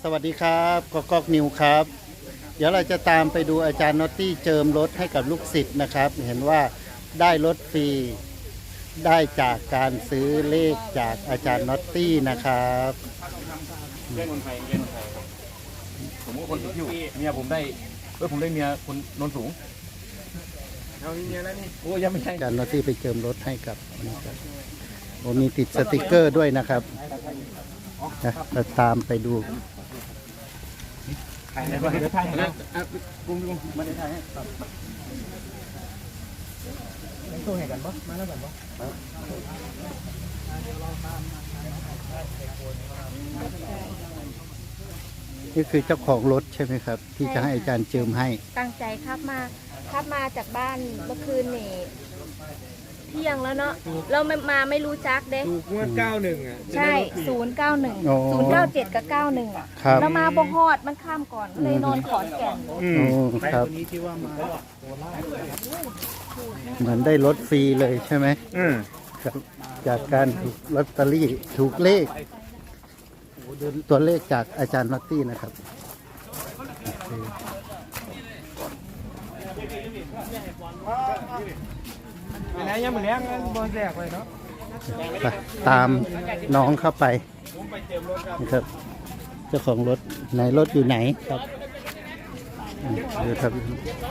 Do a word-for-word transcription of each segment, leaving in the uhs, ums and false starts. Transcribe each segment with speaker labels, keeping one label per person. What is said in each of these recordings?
Speaker 1: สวัสดีครับกอกกนิวครับ เดี๋ยวเราจะตามไปดูอาจารย์น็อตตี้เจิมรถให้กับลูกศิษย์นะครับ เห็นว่าได้รถฟรีได้จากการซื้อเลขจากอาจารย์น็อตตี้นะครับ
Speaker 2: เล่นคนไทยเล่นคนไทยครับผมก็คนติดอยู่เมียผมได้เออผมได้เมียคนนนสูงเอามีเมียแล้วนี่โอ้ยังไม่ใช่
Speaker 1: อาจารย์น็อตตี้ไปเจิมรถให้กับนี่ครับโอ้มีติดสติกเกอร์ด้วยนะครับนะเราตามไปดู
Speaker 2: ถ่ายอะไรบ้างเดี๋ยวถ่ายนะกุ้งกุ้งมาได้ถ่ายให้ตัวไหนกันบ่มาแล้วกันบ่
Speaker 1: นี่คือเจ้าของรถใช่ไหมครับ ที่จะให้อาจารย์เจิมให้
Speaker 3: ตั้งใจครับมาครับมาจากบ้านเมื่อคืนนี่เที่ยงแล้วเนาะเราไม่มาไม่รู้จักเด้
Speaker 2: ถูกงวดเก้าหนึ่งอ่ะ
Speaker 3: ใช่ศูนย์เก้าหนึ่งศูนย์เก้าเจ็ดกับเก้าหนึ่งอ่ะเรามาบ่ฮอดมันข้ามก่อนเลยนอนขอนแก่น
Speaker 1: อืมครับเหมือนได้รถฟรีเลยใช่ไหม
Speaker 2: อืม
Speaker 1: จากการถูกลอตเตอรี่ถูกเลขตัวเลขจากอาจารย์น็อตตี้นะครับ
Speaker 2: ไหนยังเหมือนแรงบอลแรกเลยเนาะ
Speaker 1: ตามน้องเข้าไปนะครับเจ้าของรถไหนรถอยู่ไหนครับเดี๋ยวครับ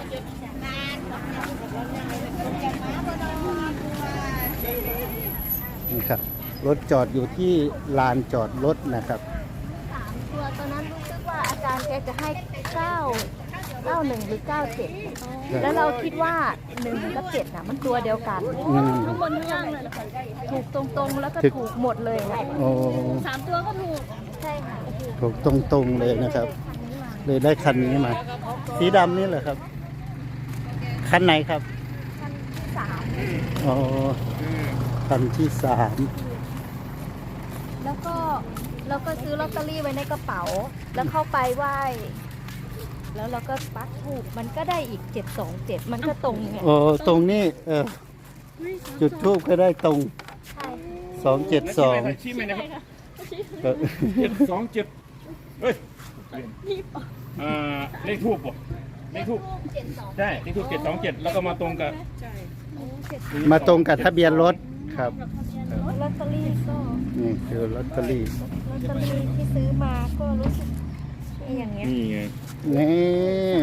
Speaker 1: นี่ครับรถจอดอยู่ที่ลานจอดรถนะครับ
Speaker 3: สามตัวตอนนั้นรู้สึกว่าอาจารย์แกจะให้เก้าเก้าหนึ่งหรือเก้าเจ็ดแล้วเราคิดว่าหนึ่งกับเจ็ดน่ะมันตัวเดียวกันข้างบนข้างล่างเลยถูกตรงๆแล้วก็ถูกหมดเลย
Speaker 1: โอ้
Speaker 3: สามตัวก็ถูกใช่ค่ะ
Speaker 1: ถูกตรงๆเลยนะครับเลยได้คันนี้มาสีดำนี่แหละครับคันไหนครับ
Speaker 3: คันที่สาม
Speaker 1: อ๋อคันที่สาม
Speaker 3: แล้วก็เราก็ซื้อลอตเตอรี่ไว้ในกระเป๋าแล้วเข้าไปไหว้แล้วเราก็ปักถูกมันก็ได้อีกเจ็ดสองเจ็ดมันก็ตรงไง
Speaker 1: โอ้ตรงนี้เออจุดทูบก็ได้ตรงสองเจ็ดสอง
Speaker 2: ชี้ไหมนะครับเจ็ดสองเจ็ดเฮ้ยอ่าเลขทูบป่ะเลขทูบใช่เลขทูบเจ็ดสองเจ็ดแล้วก็มาตรงกับ
Speaker 1: มาตรงกับทะเบียนรถครับ
Speaker 3: ลอตเตอรี่ก็
Speaker 1: นี่คือลอตเตอรี่
Speaker 3: ลอตเตอรี่ที่ซื้อมาก็รู้สึกอย่างเงี้ย
Speaker 2: นี่ไง
Speaker 1: นี่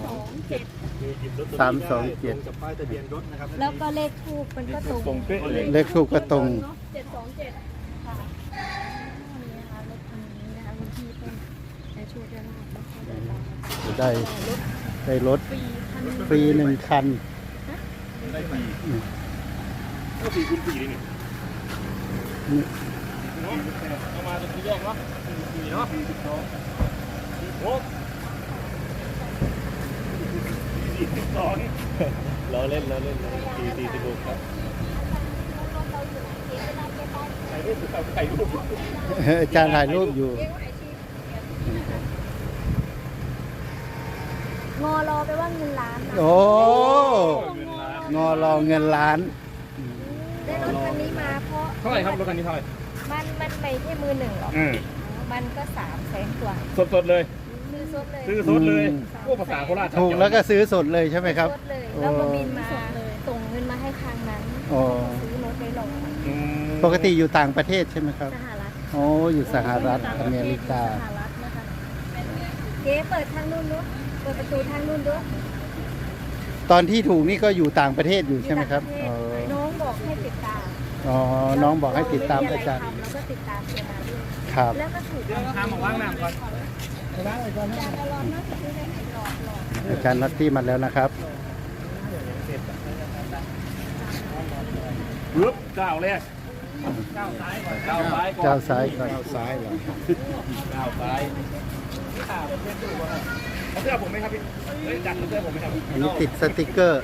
Speaker 1: สามสองเจ็ด
Speaker 3: แล้วก็เลขทูบมันก็ตรง
Speaker 1: เลขทูบก็ตรง
Speaker 3: เจ็ดสองเจ็ดค่ะนี่นะคะรถคันนี้นะคะคุณพี่เป็นในช่วยได้มาก
Speaker 1: จะได้ได้รถฟรีหนึ่งคัน
Speaker 2: ได้ฟรีก็ฟรีคุณฟรีเลยนี่เนาะเอามาตรงที่แยกเนาะฟรีเนาะโอ้สี่สิบสองเราเล่นเราเล่นสี่สี่สิบหกครับถ่ายรูปถ่ายรูป
Speaker 1: อาจารย์ถ่ายรูปอยู่
Speaker 3: งอรอไปว่าเงินล้าน
Speaker 1: โอ้งอรอเงินล้าน
Speaker 3: ได้รถคันนี้มาเพราะ
Speaker 2: เท่าไหร่ครับรถคันนี้เท่าไหร่
Speaker 3: มันมันไม่ใช่มือหนึ่งหรอกมันก็สามแสนกว่า
Speaker 2: สดสดเลย
Speaker 3: ซื้อสดเลย
Speaker 2: ซื้อสดเลยพวกภาษาโคราช
Speaker 1: ถูกแล้วก็ซื้อสดเลยใช่ไหมครับ
Speaker 3: แล้วก็บินมาส่งเงินมาให้ทางนั้นซื้อรถได้ลง
Speaker 1: ปกติอยู่ต่างประเทศใช่ไหมครับ
Speaker 3: สหรัฐ
Speaker 1: โอ้อยู่สหรัฐอเมริกา
Speaker 3: สหรัฐนะคะเจ๊เปิดทางนู้นด้วยเปิดประตูทางนู้นด้วย
Speaker 1: ตอนที่ถูกนี่ก็อยู่ต่างประเทศอยู่ใช่ไหมครับ
Speaker 3: น้องบอกให้ติดตาม
Speaker 1: อ๋อน้องบอกให้ติดตามอาจารย์
Speaker 3: แล้วก็ติดตามเสียมาด้วย
Speaker 1: ครับ
Speaker 3: แล้วก็ถูก
Speaker 2: ทำของว่างน้ำก่อน
Speaker 1: อาจารย์น็อตตี้มาแล้วนะครับ
Speaker 2: ปึ๊บก้าวแรกก้าวซ้ายก่อนก้าวซ้ายก่อน
Speaker 1: ก้าวซ้ายก่อนก้าวซ้ายเหรอ
Speaker 2: ก้าวซ้ายเอาเสื้อผมไหมครับพี่เฮ้ยจัดเสื้อผมไหมครับ
Speaker 1: อันนี้ติดสติกเกอร์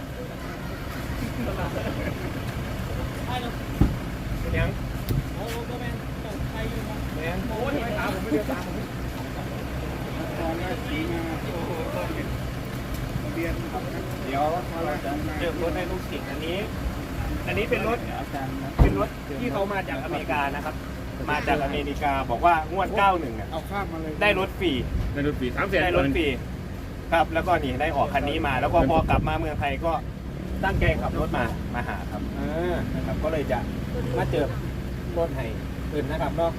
Speaker 2: ยังโอ้ก็แมนใครอยู่ครับแมนโอ้ยตามผมไม่เดือดตามผมตอนแรกสีมาโอ้โหเบียนเดี๋ยวเราจะเลือกรถให้ลูกศิษย์อันนี้อันนี้เป็นรถเป็นรถที่เขามาจากอเมริกานะครับมาจากอเมริกาบอกว่างวดเก้าหนึ่งอ่ะ
Speaker 4: เอาข้ามมาเลย
Speaker 2: ได้รถฟรี
Speaker 5: ในรถปีสามแสน
Speaker 2: ได้รถฟรีครับแล้วก็นี่ได้ออกคันนี้มา แล้วก็พอกลับมาเมืองไทยก็ตั้งใจขับรถมามาหาครับเออนะครับก็เลยจะมาเจอรถให้อื่นนะครับเนาะ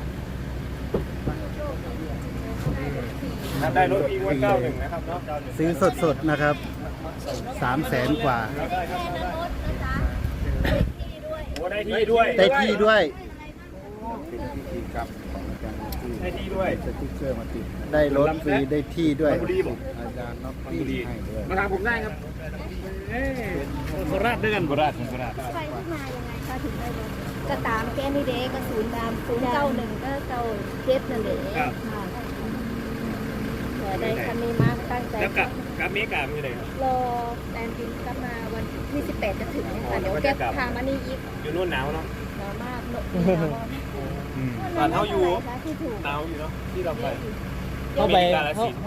Speaker 2: ครับได้รถฟรีงวดเก้าหนึ่งนะครับเนาะ
Speaker 1: ซื้อสดๆนะครับสามแสนกว่า
Speaker 3: แค่นั้นรถนะจ๊ะที่ด้วย
Speaker 2: โอ้ได้ที่ด้วย
Speaker 1: ได้ที่ด้วย
Speaker 4: เป็นพิธีกรรมของอาจารย์ที่
Speaker 2: ได้ที่ด้วย
Speaker 4: สติ๊กเกอร์มาติด
Speaker 1: ได้รถฟรีได้ที่ด้วย
Speaker 5: บุรีบอก
Speaker 4: อาจารย์น็อกที่ให้ด้วย
Speaker 5: มาทางผมได้ครับเอ้โคราชด้วยกันโคราชโคราช
Speaker 3: ไปที่มายังไงคะถึงได้รถก็ตามแกนี่เด็กก็ศูนย์ดำศูนย์เก้าหนึ่งก็เก้าเจ็ดนั่นเองค่ะเดี๋ยวได้คันนี้มาตั้งใจ
Speaker 2: แล้วกับกับเมกามีอะไรครับ
Speaker 3: รอแอนดินกลับมาวันที่สิบแปดจะถึงเนี่ยค่ะเดี๋ยวแก็บทางมานี่ยิบ
Speaker 2: อยู่นู่นหนาวเนาะ
Speaker 3: หนาวมากเนอะ
Speaker 2: ตอนเท่าอยู่
Speaker 3: ที่ถูก
Speaker 2: หนาวอยู่เนาะที่เราไป
Speaker 6: เข้าไป
Speaker 2: กาลสินธุ์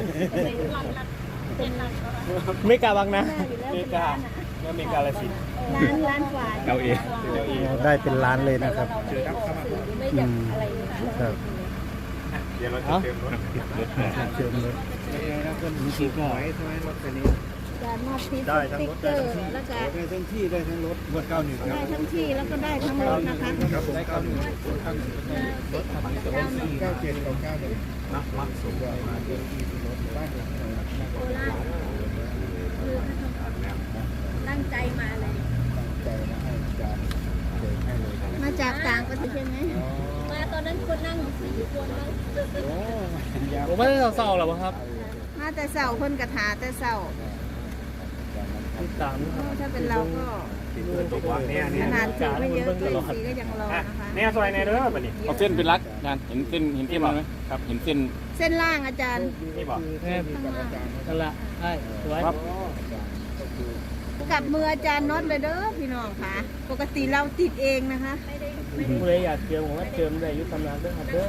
Speaker 3: เป็นร้าน
Speaker 6: ไม่กล้าบังนะ
Speaker 3: อยู่แล้ว
Speaker 2: เมกาแล้วเมกาลสินธุ์
Speaker 3: ร้านร้านกว่า
Speaker 5: เอาเอง
Speaker 2: เดี๋ยวอีก
Speaker 1: ได้เป็นล้านเลยนะครับ
Speaker 3: เราไม่ออกสื่อไม่อยากอะไรเลย
Speaker 1: ครับ
Speaker 2: เดี๋ยวเราจะเติมรถ
Speaker 1: เชิญเลย
Speaker 4: แล้วก็มีกี่หอยใช่ไหมรถคันนี้
Speaker 3: การมอบที่สติ๊กเกอร์แล้วก็
Speaker 4: ได้ทั้งที่ได้ทั้งรถงวดเก้าหนึ่งค
Speaker 3: ได้
Speaker 4: รับ
Speaker 3: ทั้งที่แล้วก็ได้ทั้งรถนะคะ
Speaker 4: ครับผมเก้าหนึ่งเก้าหนึ่งรถทำนี้แต่ว่าเก้าเจ็ดกับเก้าหนึ่งนักมักสูงมาเดินที่รถบ้านเรา
Speaker 3: โคราชคือตั้งใจมาเลย
Speaker 4: ใจนะให้อาจารย์เดินให้เลย
Speaker 3: มาจากต่างประเทศใช่ไหมมาตอนนั้นคนนั่งอยู่สี่คนมั้ง
Speaker 4: โอ้ยาว
Speaker 6: ผมไม่ได้เศร้าๆหรอกครับ
Speaker 3: มาแต่เสาเพิ่นกระถาแต่เสา
Speaker 6: ติดตามนะครับ
Speaker 3: ถ้าเป็นเราก็
Speaker 2: ตกวางเนี่ยเนี่ย
Speaker 3: ขนาดถือไม่เยอะก็ยังสีก็ยังรอ
Speaker 2: อ่ะ
Speaker 3: นะคะ
Speaker 2: เนี่ยซอยในเด้อบัดนี้
Speaker 5: เอาเส้นเป็นรักอาจารย์เห็นเส้นเห็นเส้นไหมครับ เห็นเส้น
Speaker 3: เส้นล่างอาจารย์
Speaker 2: นี่บอก
Speaker 6: แค่
Speaker 3: ข้างล่าง
Speaker 6: นั่นแหละใช่สวย
Speaker 5: ครับ
Speaker 3: กับมืออาจารย์น็อตเลยเด้อพี่น้องค่ะ ปกติเราติดเองนะคะ
Speaker 6: ผู้ใดอยากเจิมผมว่าเจิมได้อยุทธำนานด้วยครับเด้อ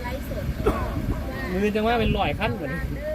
Speaker 6: มือจังว่าเป็นลอยขั้นเหมือน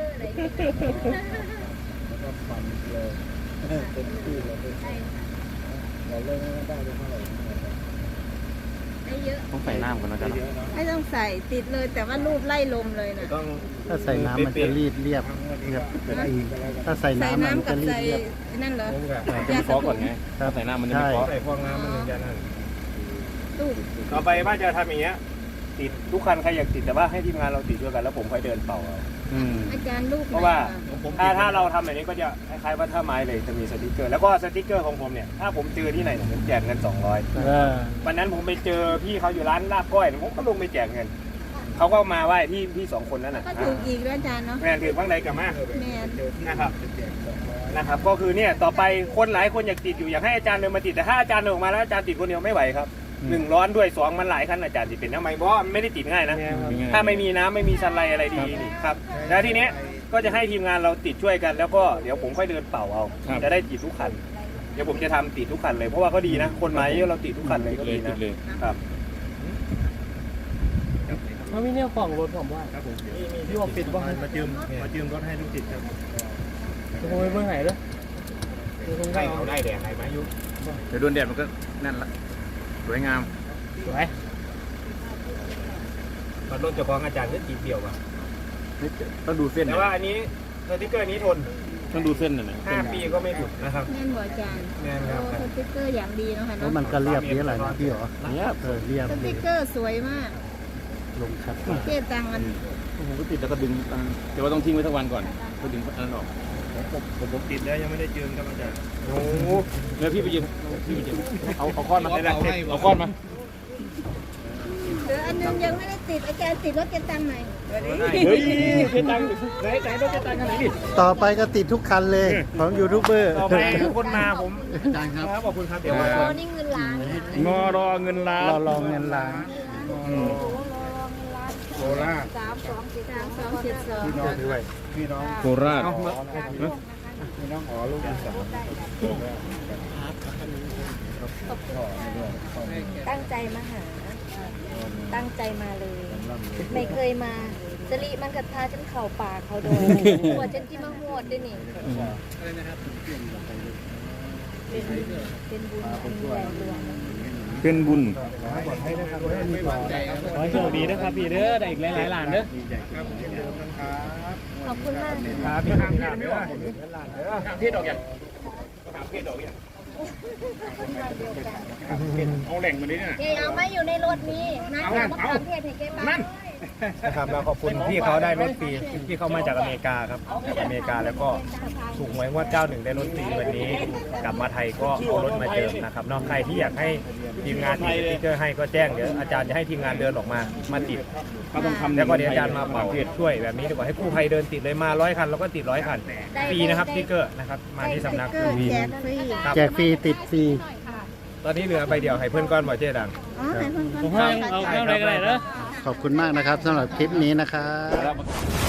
Speaker 4: ก็ฟันเลยเต็มที่เลยเราเล่นไม่ได้เลยเท่าไหร่
Speaker 3: ได้เยอะ
Speaker 5: ต้องใส่น้ำก่อนนะอาจารย์
Speaker 4: เยอะเนาะ
Speaker 3: ไม่ต้องใส่ติดเลยแต่ว่ารูปไล่ลมเลยนะ
Speaker 2: ต้อง
Speaker 1: ถ้าใส่น้ำมันจะรีดเรียบเรียบถ้าใส่
Speaker 3: ใส่
Speaker 1: น้ำมัน
Speaker 3: น้ำกั
Speaker 1: จะ
Speaker 3: บ
Speaker 1: รีด
Speaker 3: ใส่
Speaker 1: เรียบ
Speaker 3: นั่นเหรอ
Speaker 2: ผมกับ
Speaker 5: จะไม่ฟอก่อนไงถ้าใส่น้ำมันจะไม่ฟอ
Speaker 2: ใส่ฟองน้ำมันถึงจะนั่น
Speaker 3: ตู้
Speaker 2: ต่อไปว่าจะทำอย่างเงี้ยติดทุกคันใครอยากติดแต่ว่าให้ทีมงานเราติดด้วยกันแล้วผมค่อยเดินเป่าเอา
Speaker 5: อืม
Speaker 3: อาจารย์รูป
Speaker 2: เพราะว่าถ้าถ้าเราทำแบบนี้ก็จะคล้ายๆว่าถ้าไม้เลยจะมีสติกเกอร์แล้วก็สติกเกอร์ของผมเนี่ยถ้าผมเจอที่ไหนเนี่ยผมแจกเงินสองร้อย
Speaker 6: เออ
Speaker 2: วันนั้นผมไปเจอพี่เขาอยู่ร้านลาบก้อยผมก็ลงไปแจกเงินเขาก็มาไหว้พี่พี่สองคนนั้นน่ะ
Speaker 3: ก็ถูกอีกแล้วอาจารย์เนาะ
Speaker 2: แม่นถือบ้างใดกับมา
Speaker 3: แมน
Speaker 2: นะครับนะครับ ก็คือเนี่ยต่อไปคนหลายคนอยากติดอยู่อยากให้อาจารย์เดินมาติดแต่ถ้าอาจารย์เดินออกมาแล้วอาจารย์ติดคนเดียวไม่ไหวครับหนึ่งร้อนด้วยสองมันหลายขั้นอาจารย์ติดเป็นทำไมเพราะว่ามันไม่ได้ติดง่ายนะ ถ้าไม่มีน้ำไม่มีชันไรอะไรดีนี่ครับแล้วทีเนี้ยก็จะให้ทีมงานเราติดช่วยกัน แล้วก็เดี๋ยวผมค่อยเดินเป่าเอาจะได้ติดทุกคันเดี๋ยวผมจะทำติดทุกคันเลยเพราะว่าก็ดีนะ คนมาเยอะเราติดทุกคันเลยก็
Speaker 5: เลย
Speaker 2: ดี
Speaker 5: ติ
Speaker 2: นะ
Speaker 5: ดเลย
Speaker 2: ครับ
Speaker 6: มันมีเนี่ยของรถผมว่า
Speaker 2: ครับผม
Speaker 6: ที่ว่าปิดบ้าง
Speaker 2: มาเจิมมาเจิมรถให้ลูกติดครับ
Speaker 6: ผมไปเมื่อไหร่เลยคง
Speaker 2: ให้
Speaker 6: ได้
Speaker 2: เขาได้แดดไหนมายุ
Speaker 5: เดี๋ยวโดนแดดมันก็นั่นละสวยงาม
Speaker 6: สวย
Speaker 2: ตอนรถเจ้าของอาจารย์ก็ติดเดี่ยวอ่ะ
Speaker 5: ต้องดูเส้น
Speaker 2: แต่ว่าอันนี้สติ๊กเกอร์นี้ทน
Speaker 5: ต้องดูเส้นหน่อยนะ
Speaker 2: ห้าปีก็ไม่หลุดนะครับ
Speaker 3: แม่นบ่อาจารย์
Speaker 2: แน่นครับ
Speaker 3: โอ้สติ๊กเกอร์อย่างดีเนาะค่ะ
Speaker 1: แล้ว
Speaker 3: เนาะ
Speaker 1: มันก็เรียบนี้แหละนะพี่หรอ
Speaker 5: เนี่ย
Speaker 1: เออเรียบ
Speaker 3: ส
Speaker 1: เล
Speaker 3: ติ๊
Speaker 1: ย
Speaker 3: กเกอร์สวยมาก
Speaker 1: ลงชัด
Speaker 3: เจ๊ตังมัน
Speaker 5: ผมก็ติดแล้วก็ดึงอันเดี๋ยวว่าต้องทิ้งไว้สักวันก่อนก็ดึงอันนั้นออก
Speaker 2: ผมผมติดแล้วยังไม่ได้เจิมครับอาจารย์โอ้
Speaker 5: แล้วพี่ไปยืมพี่ไปยืมเอาเอาค้อนมาเอาค้อนมา
Speaker 3: เหลืออันนึงยังไม่ได้ติดอาจารย์ติดรถเจ๊ตังไหน
Speaker 5: เฮ้ยเจตังไหนไหนรถเจตังกันไหนดิ
Speaker 1: ต่อไปก็ติดทุกคันเลยของยูทูบเบอร์
Speaker 2: ต่อไปคนมาผมครับขอบคุณครับเดี๋ยวมา
Speaker 3: โอ้นี่เงินล้าน
Speaker 5: งอรอเงินล้าน
Speaker 1: เราลองเงินล้าน
Speaker 4: โคราช
Speaker 3: สามสองเจ็ดสามสองเจ็ดสอง
Speaker 4: พี่น้องด้วยพี่น้อง
Speaker 5: โคราช
Speaker 4: พี่น้องอ๋อลูกที่สาม
Speaker 3: ตั้งใจมาหา ตั้งใจมาเลย ไม่เคยมาสลีมันกระทาฉันเข่าป่าเขาโดนหัวฉันที่มาหวดด้วยนี่เป็นเป็นบุญอันใหญ่หลวง
Speaker 2: เป็นบุญ
Speaker 5: ขอให้โชคดีนะครับพี่เด้อได้อีกหลายๆล้านเด้อ
Speaker 3: ขอบคุณมาก
Speaker 5: ครับพี่ครับครับเด้อทางเพศดอกอย่างทางเพศดอกอย่างเอาแหล่งมาดิเนี่ย
Speaker 3: เกเอาไม่อยู่ในรถนี้นะเอามะขามเทศให้เกบ้าง
Speaker 4: นะครับเราขอบคุณพี่เขาได้รถฟรีที่เขามาจากอเมริกาครับจากอเมริกาแล้วก็ถูกหวยงวดเก้าหนึ่งได้รถฟรีวันนี้กลับมาไทยก็เอารถมาเจิมนะครับนอกใครที่อยากให้ทีมงานติดสติ๊กเกอร์ให้ก็แจ้งเดี๋ยวอาจารย์จะให้ทีมงานเดินออกมามาติด
Speaker 2: เขาต้องทำ
Speaker 4: แล้วก็เดี๋ยวอาจารย์มาเป่าช่วยแบบนี้ดีกว่าให้กู้ภัยเดินติดเลยมาร้อยคันแล้วก็ติดร้อยคันฟรีนะครับสติ๊กเกอร์นะครับมาที่สำนักฟรีครับ
Speaker 1: แจกฟรีติดฟรี
Speaker 4: ตอนนี้เหลือใบเดียวให้เพื่อนก้อนบ่เจ๊ดัง
Speaker 5: ผมให้เอาเอาอะไรก็ได้เด้อ
Speaker 1: ขอบคุณมากนะครับสำหรับคลิปนี้นะครับ